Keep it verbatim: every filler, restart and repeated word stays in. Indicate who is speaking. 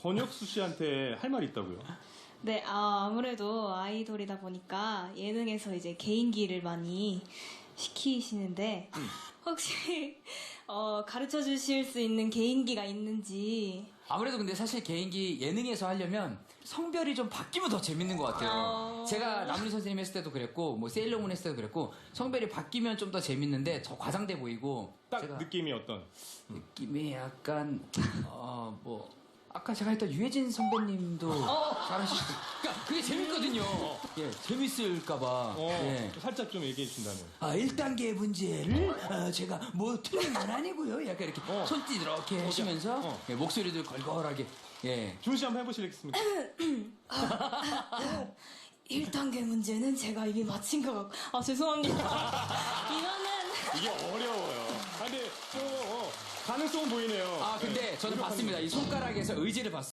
Speaker 1: 권혁수 씨한테 할 말이 있다고요?
Speaker 2: 네, 아, 아무래도 아이돌이다 보니까 예능에서 이제 개인기를 많이 시키시는데
Speaker 1: 음.
Speaker 2: 혹시 어, 가르쳐 주실 수 있는 개인기가 있는지.
Speaker 3: 아무래도 근데 사실 개인기 예능에서 하려면 성별이 좀 바뀌면 더 재밌는 것 같아요.
Speaker 2: 어...
Speaker 3: 제가 남훈이 선생님 했을 때도 그랬고, 뭐 세일러문 했을 때도 그랬고, 성별이 바뀌면 좀 더 재밌는데 더 과장돼 보이고.
Speaker 1: 딱
Speaker 3: 제가
Speaker 1: 느낌이 어떤?
Speaker 3: 느낌이 약간 어 뭐 아까 제가 했던 유해진 선배님도
Speaker 2: 어.
Speaker 3: 잘하시고. 그러니까 그게 재밌거든요. 예, 재밌을까봐.
Speaker 1: 어,
Speaker 3: 예.
Speaker 1: 살짝 좀 얘기해 주신다면.
Speaker 3: 아, 일 단계 문제를 어, 제가 뭐 틀린 건 아니고요. 약간 이렇게
Speaker 1: 어.
Speaker 3: 손짓 이렇게 하시면서
Speaker 1: 어.
Speaker 3: 예, 목소리도 걸걸하게. 예.
Speaker 1: 준우 씨 한번 해보시겠습니까?
Speaker 2: 일 단계 문제는 제가 이미 마친 것 같고. 아, 죄송합니다. 이거는.
Speaker 1: 이게 어려워요. 아, 근데 좀 어, 가능성 보이네요.
Speaker 3: 아, 근데
Speaker 1: 네,
Speaker 3: 저는
Speaker 1: 노력하는
Speaker 3: 봤습니다.
Speaker 1: 거.
Speaker 3: 이 손가락에서 의지를 봤어요.